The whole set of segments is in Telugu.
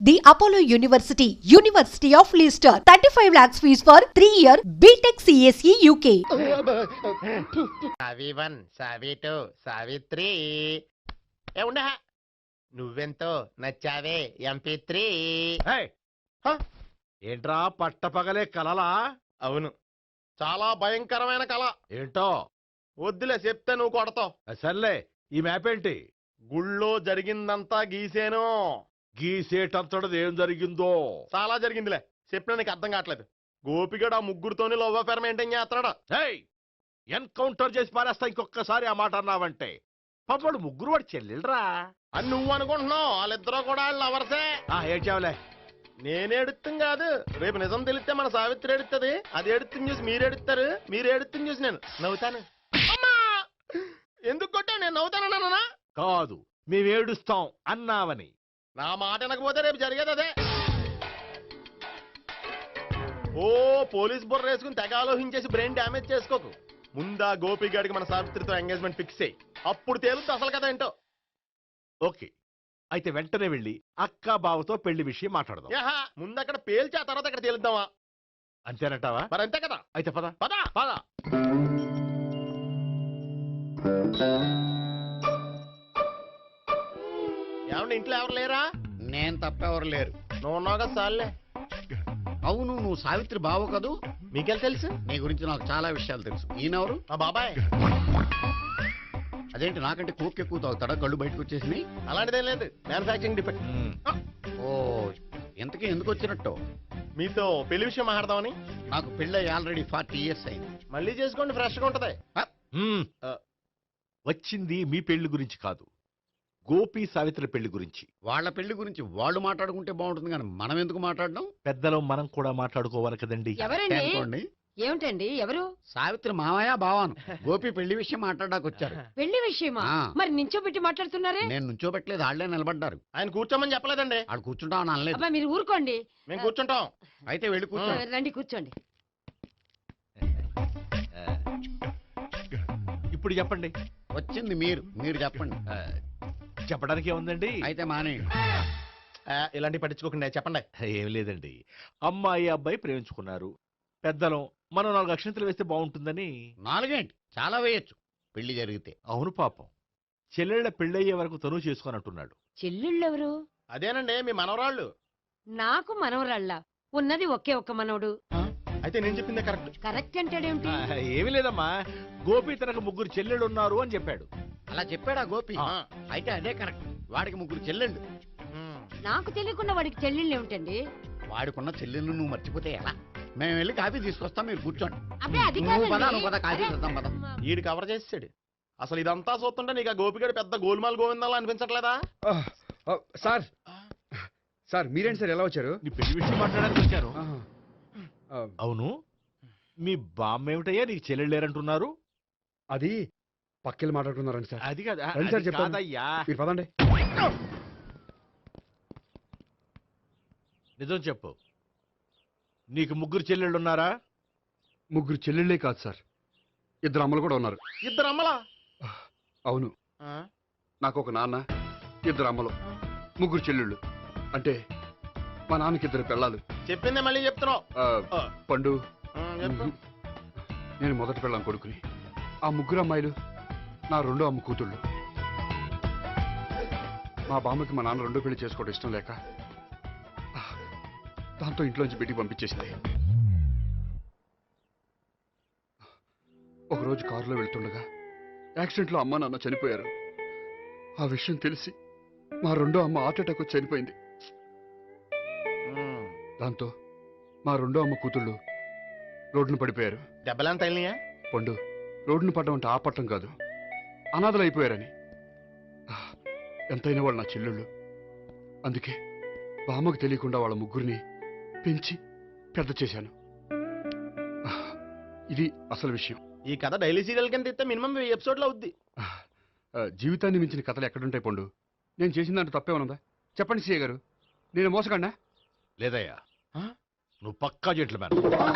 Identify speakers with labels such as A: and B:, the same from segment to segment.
A: The Apollo University, University of Leicester, 35 lakhs fees for 3-year BTech CSE UK.
B: సావి 1 సావి 2 సావి 3 ఏ ఉండా నువ్వెంతో నచ్చావే MP3
C: ఏంట్రా పట్టపగలే కలలా?
B: అవును, చాలా భయంకరమైన కళ.
C: ఏంటో
B: వద్దులే, చెప్తే నువ్వు కొడతావు.
C: సర్లే, ఈ మ్యాప్ ఏంటి?
B: గుళ్ళో జరిగిందంతా గీసేను.
C: గీసేటంతటది ఏం జరిగిందో?
B: చాలా జరిగిందిలే, చెప్పినా నీకు అర్థం కావట్లేదు. గోపిగడు ఆ ముగ్గురుతోని లవ్ అఫేర్ మెయింటైన్ చేస్తాడా?
C: ఎన్కౌంటర్ చేసి పారేస్తా ఇంకొకసారి ఆ మాట అన్నావంటే. పాపడు ముగ్గురు వాడు చెల్లెలరా
B: అని నువ్వు అనుకుంటున్నావు, వాళ్ళిద్దరూ కూడా లవర్సే.
C: ఏడ్చావులే.
B: నేనే ఎడుతుంది కాదు, రేపు నిజం తెలిస్తే మన సావిత్రి ఎడుతుంది. అది ఎడుతుంది చూసి మీరు ఎడుతారు, మీరు ఎడుతుంది చూసి నేను నవ్వుతాను. అమ్మా, ఎందుకు కొట్టావు? నేను నవ్వుతానన్నా
C: కాదు, మేమేడుస్తాం అన్నావని.
B: నా మాట వినకపోతే రేపు జరిగేది అదే. ఓ పోలీస్ బుర్ర వేసుకుని తెగ ఆలోచించేసి బ్రెయిన్ డ్యామేజ్ చేసుకోకు. ముందా గోపిగాడికి మన సావిత్రితో ఎంగేజ్మెంట్ ఫిక్స్ అయ్యి అప్పుడు తేలుతుంది అసలు కదా ఏంటో.
C: ఓకే, అయితే వెంటనే వెళ్ళి అక్క బావతో పెళ్లి విషయం మాట్లాడదాం.
B: ముందు అక్కడ పేల్చి ఆ తర్వాత అక్కడ తేలుద్దామా?
C: అంతేనంటావా?
B: మరి అంతే కదా.
C: అయితే పద
B: పద
C: పద.
B: ఏమండి, ఇంట్లో ఎవరు లేరా?
D: నేను తప్పెవరు లేరు.
B: నువ్వు ఉన్నావు కదా సార్లే.
D: అవును, నువ్వు సావిత్రి బావు కదూ?
B: మీకెళ్ళి తెలుసు?
D: నీ గురించి నాకు చాలా విషయాలు తెలుసు. ఈయనెవరు?
B: మా బాబాయ్.
D: అదేంటి, నాకంటే కోక్ ఎక్కువ తాగుతాడా? కళ్ళు బయటకు వచ్చేసినాయి.
B: అలాంటిదేం లేదు, మ్యానుఫాక్చరింగ్ డిఫెక్ట్.
D: ఓ, ఇంతకీ ఎందుకు వచ్చినట్టు?
B: మీతో పెళ్లి విషయం మాట్లాడదామని.
D: నాకు పెళ్ళి ఆల్రెడీ 40 years అయింది.
B: మళ్ళీ చేసుకోండి, ఫ్రెష్ గా ఉంటది.
C: వచ్చింది మీ పెళ్లి గురించి కాదు, గోపి సావిత్రి పెళ్లి గురించి.
D: వాళ్ళ పెళ్లి గురించి వాళ్ళు మాట్లాడుకుంటే బాగుంటుంది, కానీ మనం ఎందుకు మాట్లాడడం?
C: పెద్దలో మనం కూడా మాట్లాడుకోవాలి కదండి.
E: ఎవరండి?
D: అనుకోండి.
E: ఏమిటండి? ఎవరు?
D: సావిత్రి మామయ్య బావాను. గోపి పెళ్లి విషయం మాట్లాడడానికి వచ్చారు.
E: పెళ్లి విషయమా?
D: ఆ.
E: మరి నించోబెట్టి మాట్లాడుతున్నారే?
D: నేను నుంచోబెట్టలేదు, వాళ్ళే నిలబడ్డారు.
B: ఆయన కూర్చోమని చెప్పలేదండి.
D: వాళ్ళు కూర్చుంటామని అనలేదు.
E: అబ్బా, మీరు ఊరుకోండి.
B: మేము కూర్చుంటాం.
D: అయితే వెళ్ళి కూర్చో.
E: రండి, కూర్చోండి.
C: ఇప్పుడు చెప్పండి.
D: వచ్చింది మీరు, మీరు చెప్పండి.
C: చెప్పడానికి ఏముందండి?
D: అయితే మానేయండి.
B: ఇలాంటి పట్టించుకోకుండా చెప్పండి.
C: ఏం లేదండి, అమ్మాయి అబ్బాయి ప్రేమించుకున్నారు. పెద్దలం మనం 4 అక్షంతలు వేస్తే బాగుంటుందని.
D: 4 ఏంటి, చాలా వేయచ్చు పెళ్లి జరిగితే.
C: అవును, పాపం చెల్లెళ్ళ పెళ్ళయ్యే వరకు తను చేసుకోనంటున్నాడు.
E: చెల్లెళ్ళెవరు?
B: అదేనండి మీ మనవరాళ్ళు.
E: నాకు మనవరాళ్ళ ఉన్నది ఒకే ఒక్క మనవడు.
B: అయితే నేను చెప్పిందే కరెక్ట్.
E: కరెక్ట్ అంటాడేమిటి?
C: ఏమీ లేదమ్మా, గోపి తనకు 3 చెల్లెళ్ళు ఉన్నారు అని చెప్పాడు.
D: అలా చెప్పాడా గోపి? అయితే అదే కరెక్ట్. వాడికి 3 చెల్లెళ్ళు.
E: నాకు తెలియకుండా వాడికి చెల్లెళ్ళు ఏమిటండి?
D: వాడికున్న చెల్లెళ్ళు నువ్వు మర్చిపోతే ఎలా? మేము వెళ్ళి కాఫీ తీసుకొస్తాం, మీరు కూర్చోండి.
E: అబ్బే, అది
D: నువ్వు పద,
E: కాదండి.
D: నువ్వు పద, కాఫీ చేద్దాం పద.
B: ఈడు కవర్ చేసాడు. అసలు ఇదంతా చూస్తుంటే నీకు ఆ గోపిగడు పెద్ద గోల్మాల్ గోవిందాలు అనిపించట్లేదా?
F: సార్ సార్ మీరేంటి సార్, ఎలా వచ్చారు?
C: నీ పెళ్లి విషయం మాట్లాడడానికి వచ్చాను. అవును, మీ బామ్మ ఏమిటయ్యా నీకు చెల్లెళ్ళు లేరంటున్నారు?
F: అది పక్కెళ్ళి మాట్లాడుకున్నారండి సార్.
C: అది కాదు,
F: రండి సార్,
C: అది
F: చెప్తాను.
C: కాదయ్యా.
F: మీరు పదండి.
C: నిజం చెప్పు, నీకు 3 చెల్లెళ్ళు ఉన్నారా?
F: 3 చెల్లెళ్ళే కాదు సార్, 2 అమ్మలు కూడా ఉన్నారు.
B: 2 అమ్మలా?
F: అవును, నాకు ఒక నాన్న, 2 అమ్మలు, 3 చెల్లెళ్ళు. అంటే మా నాన్నకి 2 పిల్లలు.
B: చెప్పిందే మళ్ళీ చెప్తున్నావు.
F: పండు,
B: చెప్పు.
F: నేను మొదటి పిల్లం కొడుకుని. ఆ 3 అమ్మాయిలు నా 2వ అమ్మ కూతుళ్ళు. మా బామ్మకి మా నాన్న 2వ పెళ్లి చేసుకోవడం ఇష్టం లేక దాంతో ఇంట్లోంచి బయటికి పంపించేసింది. ఒకరోజు కారులో వెళ్తుండగా యాక్సిడెంట్లో అమ్మ నాన్న చనిపోయారు. ఆ విషయం తెలిసి మా 2వ అమ్మ హార్ట్ అటాక్ వచ్చి చనిపోయింది. దాంతో మా 2వ అమ్మ కూతుళ్ళు రోడ్డును పడిపోయారు.
B: దెబ్బలంత తగిలినాయా?
F: పండు, రోడ్డును పడ్డం అంటే ఆపట్టం కాదు, అనాథలు అయిపోయారని. ఎంతైనా వాళ్ళు నా చెల్లెళ్ళు. అందుకే బామ్మకు తెలియకుండా వాళ్ళ 3 పెంచి పెద్ద చేశాను. ఇది అసలు విషయం.
B: ఈ కథ డైలీ సీరియల్ కింద ఇస్తే మినిమం 1000 ఎపిసోడ్లు అవుద్ది.
F: జీవితాన్ని మించిన కథలు ఎక్కడుంటాయి పండు? నేను చేసిన దాంట్లో తప్పే ఉన్నదా? చెప్పండి సీఏ గారు, నేను మోసగండా?
C: లేదయ్యా, నువ్వు పక్కా జెంట్లమ్యాన్.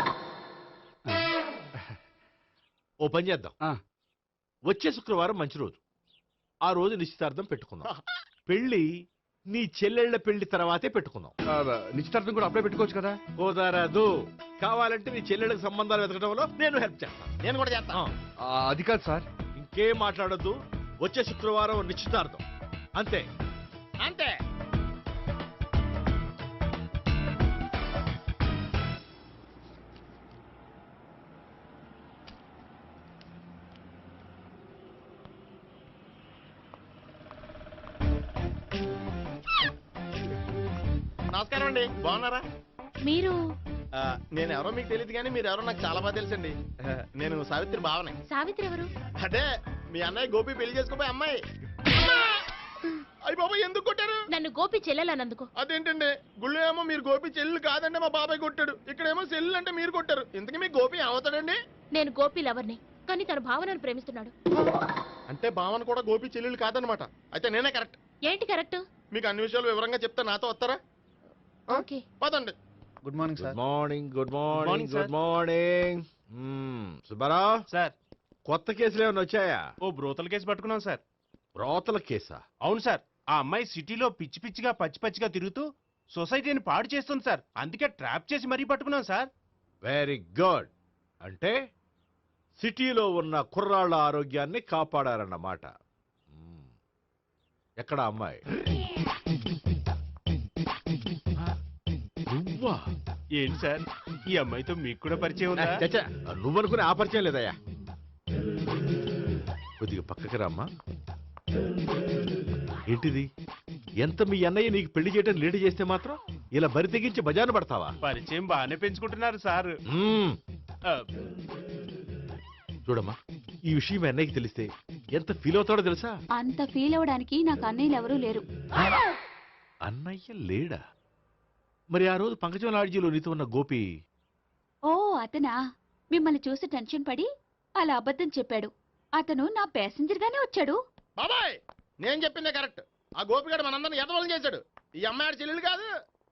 C: ఓ పని చేద్దాం, వచ్చే శుక్రవారం మంచి రోజు. ఆ రోజు నిశ్చితార్థం పెట్టుకుందాం. పెళ్లి నీ చెల్లెళ్ళ పెళ్లి తర్వాతే పెట్టుకుందాం.
F: నిశ్చితార్థం కూడా అప్పుడే పెట్టుకోవచ్చు కదా.
C: కుదరదు. కావాలంటే నీ చెల్లెళ్ళకి సంబంధాలు వెతకడంలో నేను హెల్ప్ చేస్తాను.
B: నేను కూడా చేస్తా.
F: అది కాదు సార్.
C: ఇంకేం మాట్లాడొద్దు. వచ్చే శుక్రవారం నిశ్చితార్థం. అంతే.
B: అంతే. నమస్కారం అండి, బాగున్నారా?
G: మీరు
B: నేను ఎవరో మీకు తెలియదు కానీ మీరు ఎవరో నాకు చాలా బాగా తెలుసండి. నేను సావిత్రి బావనే.
G: సావిత్రి ఎవరు?
B: అదే మీ అన్నయ్య గోపి పెళ్లి చేసుకోపోయి అమ్మాయి. అయ్యి బాబాయ్ ఎందుకు కొట్టారు?
G: నన్ను గోపి చెల్లెలన్నందుకు.
B: అదేంటండి, గుళ్ళు ఏమో మీరు గోపి చెల్లు కాదంటే మా బాబాయ్ కొట్టాడు, ఇక్కడేమో చెల్లు అంటే మీరు కొట్టారు. ఇంతకీ మీ గోపి ఏమవుతాడండి?
G: నేను గోపి లవర్ని, కానీ తన భావనను ప్రేమిస్తున్నాడు.
B: అంటే భావన కూడా గోపి చెల్లెలు కాదనమాట. అయితే నేనే కరెక్ట్.
G: ఏంటి కరెక్ట్?
B: మీకు అన్ని విషయాలు వివరంగా చెప్తే నాతో వస్తారా?
G: ఓకే.
B: పదండి.
H: Good morning
C: good
H: sir.
C: Morning. Good
H: morning,
C: morning.
H: Sir.
C: Good morning. Subbarao,
H: sir,
C: కొత్త కేసులు ఏమైనా వచ్చాయా?
H: ఓ బ్రోతల కేసు పట్టుకున్నాం సార్.
C: రోతల కేసా?
H: అవును సార్, ఆ అమ్మాయి సిటీలో పిచ్చి పిచ్చిగా పచ్చి పచ్చిగా తిరుగుతూ సొసైటీని పాడు చేస్తుంది సార్. అందుకే ట్రాప్ చేసి మరీ పట్టుకున్నాం సార్.
C: Very good. అంటే సిటీలో ఉన్న కుర్రాళ్ళ ఆరోగ్యాన్ని కాపాడారన్నమాట. ఎక్కడ అమ్మాయి? నువ్వా?
H: ఏంటి సార్, ఈ అమ్మాయితో మీకు కూడా పరిచయం ఉందా?
C: చచ్చా, నువ్వనుకునే ఆ పరిచయం లేదయ్యా. కొద్దిగా పక్కకి రామ్మా. ఏంటిది? ఎంత మీ అన్నయ్య నీకు పెళ్లి చేయడం లేట్ చేస్తే మాత్రం ఇలా బరి తెగించి బజారు పడతావా?
H: పరిచయం బాగానే పెంచుకుంటున్నారు సార్. ఆ,
C: చూడమ్మా, ఈ విషయం మీ అన్నయ్యకి తెలిస్తే ఎంత ఫీల్ అవుతాడో తెలుసా?
G: అంత ఫీల్ అవడానికి నాకు అన్నయ్యలు ఎవరూ లేరు.
C: అన్నయ్య లేడా? మరి ఆ రోజు పంకజం లాడ్జీలో నీతో ఉన్న గోపి?
G: ఓ అతనా? మిమ్మల్ని చూసి టెన్షన్ పడి అలా అబద్ధం చెప్పాడు. అతను నా ప్యాసింజర్ గానే వచ్చాడు.
B: బాబాయ్ నేను చెప్పిందే కరెక్ట్. ఆ గోపిగాడు మనందరిని ఎదవలం చేశాడు. ఈ అమ్మాయి చెల్లెలు కాదు.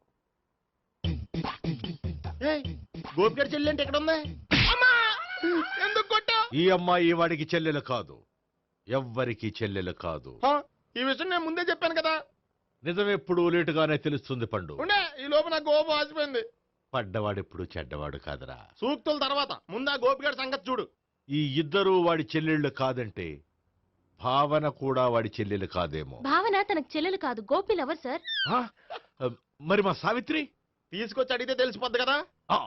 B: ఏయ్, గోపిగాడి చెల్లెలు అంటే ఎక్కడ ఉంది? అమ్మా! ఎందుకు కొట్టావు?
C: ఈ అమ్మాయి వాడికి చెల్లెలు కాదు, ఎవ్వరికి చెల్లెలు కాదు.
B: ఈ విషయం నేను ముందే చెప్పాను కదా.
C: నిజమెప్పుడు లేటుగానే తెలుస్తుంది పండు.
B: ఉండే ఈ లోపు నా గోపు ఆసిపోయింది.
C: పడ్డవాడెప్పుడు చెడ్డవాడు కాదురా.
B: సూక్తుల తర్వాత ముందు ఆ గోపిగాడి సంగతి చూడు.
C: ఈ ఇద్దరూ వాడి చెల్లెళ్ళు కాదంటే భావన కూడా వాడి చెల్లెలు కాదేమో.
G: భావన తనకు చెల్లెలు కాదు, గోపి లవర్ సార్.
C: ఆ? మరి మా సావిత్రి?
B: తీసుకొచ్చి అడిగితే తెలిసిపోద్ది కదా.
C: ఆ.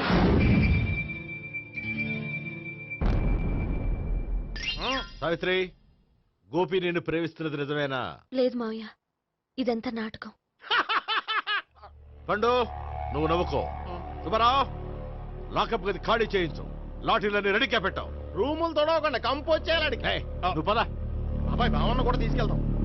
C: సావిత్రి, గోపి నేను ప్రేమిస్తున్నది నిజమేనా?
G: లేదు మావయ్య, ఇదంతా నాటకం.
C: పండు, నువ్వు నవ్వుకో. సుబ్బారావు, లాకప్ గది ఖాళీ చేయించు. లాఠీలన్నీ రెడీగా పెట్టావు.
B: రూములు తొడవకుండా కంపోజ్ చేయాలి.
C: ఏయ్, నువ్వు పద.
B: అబ్బాయి భావన కూడా తీసుకెళ్తాం.